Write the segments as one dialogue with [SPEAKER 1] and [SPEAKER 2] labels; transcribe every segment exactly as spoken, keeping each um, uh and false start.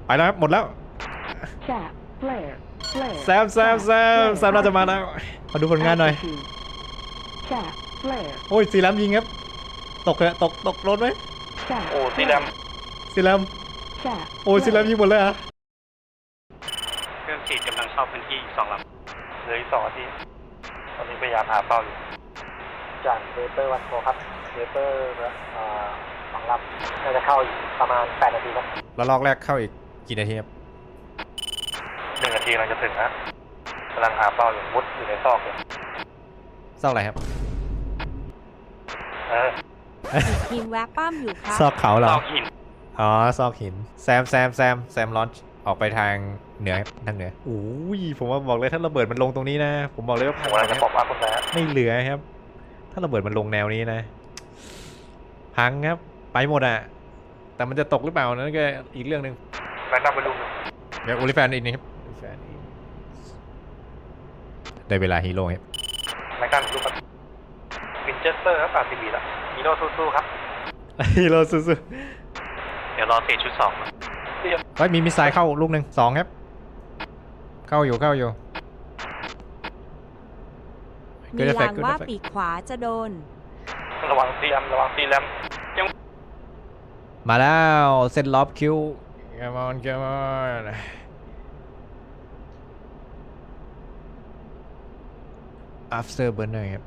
[SPEAKER 1] ไปแล้วครับหมดแล้ว
[SPEAKER 2] Chat, flare, flare.
[SPEAKER 1] แซมแซมแซมแซมน่าจะมาแล้วมาดูผลงานหน่อย
[SPEAKER 2] Altitude. Chat, flare.
[SPEAKER 1] โอ้ยซีแรมยิงครับตกเลยตกตกรถไหม
[SPEAKER 2] Chat,
[SPEAKER 3] โอ้สีด
[SPEAKER 1] ซีแรม
[SPEAKER 2] chat.
[SPEAKER 1] โอ้ยซีแรมยิงหมดเลยเหรอะ
[SPEAKER 3] ำเครื่องฉีดกำลังเข้าพื้นที่อีกสองลำเหลืออีกสองนาทีตอนนี้พยายามหาเป้าอยู่จากเวเปอร์วันโฟครับเวเปอร์สองลำน่าจะเข้าอีกประมาณแปดนาทีครับ
[SPEAKER 1] แล้วลอกแรกเข้าอีกกี่นาทีครับ
[SPEAKER 3] หนึ่งนาทีกำลังจะถึงนะกำลังหาเป้าอยู่มุดอยู่ในซอกอยู่
[SPEAKER 1] ซอกอะไรครับ
[SPEAKER 3] เออ
[SPEAKER 4] ทีมแวะป้อมอยู่ครับ
[SPEAKER 1] ซอกเขาเหร
[SPEAKER 3] ซ
[SPEAKER 1] อ
[SPEAKER 3] อกหิน
[SPEAKER 1] อ๋อซอกหินแซมแซมแซมแซมลอนช์ออกไปทางเหนือครับทางเหนือโอ้ยผมว่าบอกเลยถ้าระเบิดมันลงตรงนี้นะผมบอกเลยว่า
[SPEAKER 3] ผ
[SPEAKER 1] พัง
[SPEAKER 3] ม
[SPEAKER 1] หม
[SPEAKER 3] กำลั
[SPEAKER 1] ด
[SPEAKER 3] งจะ
[SPEAKER 1] นะ
[SPEAKER 3] บอกว่าคุณแม่
[SPEAKER 1] ไม่เหลือครับ ถ้าระเบิดมันลงแนวนี้นะพังครับไปหมดอะแต่มันจะตกหรือเปล่านั่นก็อีกเรื่องหนึ่ง
[SPEAKER 3] แม็กนัมไปลุม
[SPEAKER 1] เดี๋ยวโอลิแฟนอีกนี่ครับโอลิแฟนอีกได้เวลาฮีโร่ครับ
[SPEAKER 3] แม็กนัมไปลุมครับวินเชสเตอร์ครับอาร์ซีบีละฮีโร่สู้ๆครับ
[SPEAKER 1] ฮีโร่สู้
[SPEAKER 3] เดี๋ยวรอเศษชุดสอง
[SPEAKER 1] ๆเฮ้ยมีมิสไซล์เข้าลูกหนึ่งสองครับเข้าอยู่เข้าอยู่
[SPEAKER 4] มีลางว่าปีกขวาจะโดน
[SPEAKER 3] ระวังซีแอมระวังซีแรมยัง
[SPEAKER 1] มาแล้วเซตล็อบคิว come on come on after burner ครับ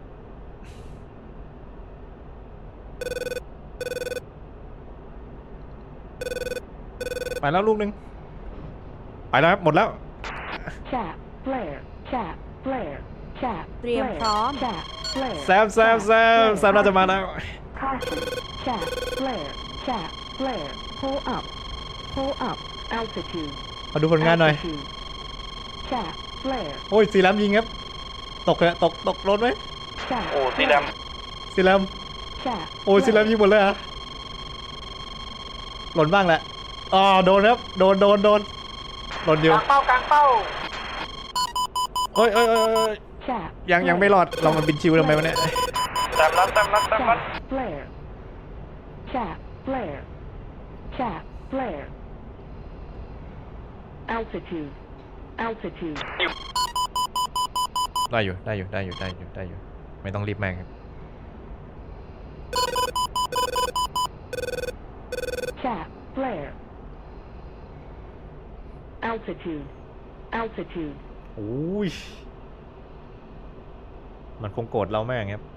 [SPEAKER 1] ไปแล้วลูกหนึ่งไปแล้วครับหมดแล้ว
[SPEAKER 2] Chat, flare, chat, flare, chat.
[SPEAKER 4] เตรียมพร้อม
[SPEAKER 2] Chat, flare.
[SPEAKER 1] แซมแซมแซมแซมน่าจะมาแล้ว
[SPEAKER 2] Caution. Chat, flare, chat, flare. Pull up. Pull up. Altitude.
[SPEAKER 1] มาดูผลงานหน่อย
[SPEAKER 2] Altitude. Chat, flare.
[SPEAKER 1] โอ้ยซีแรมยิงครับตกเลยตกตกรถไหม
[SPEAKER 2] Chat,
[SPEAKER 3] โอ้ซีแรม
[SPEAKER 1] ซีแรม
[SPEAKER 2] chat.
[SPEAKER 1] โอ้ยซีแรมยิงหมดเลยเหรอะหล่นบ้างแหละอ๋อโดนครับโดนโดนโดนหล่นอก ยู่
[SPEAKER 3] ลางเป้ากลางเป้า
[SPEAKER 1] โอ้ยโอ้ยโอ้ยโอ้ย
[SPEAKER 2] Chat.
[SPEAKER 1] ยังยังไม่รอดเรามันบินชิวทำไมวะเนี่ย
[SPEAKER 3] แต้มรัดแต้มรัดแต้มรัด
[SPEAKER 2] Chat, flare. Chat, flare. Chat, flare. Altitude. Altitude.
[SPEAKER 1] ได้อยู่ได้อยู่ได้อยู่ได้อยู่ได้อยู่ไม่ต้องรีบแม่งครับ
[SPEAKER 2] Chat, flare. Altitude. Altitude.
[SPEAKER 1] โอ้ยมันคงโกรธเราแม่งครับ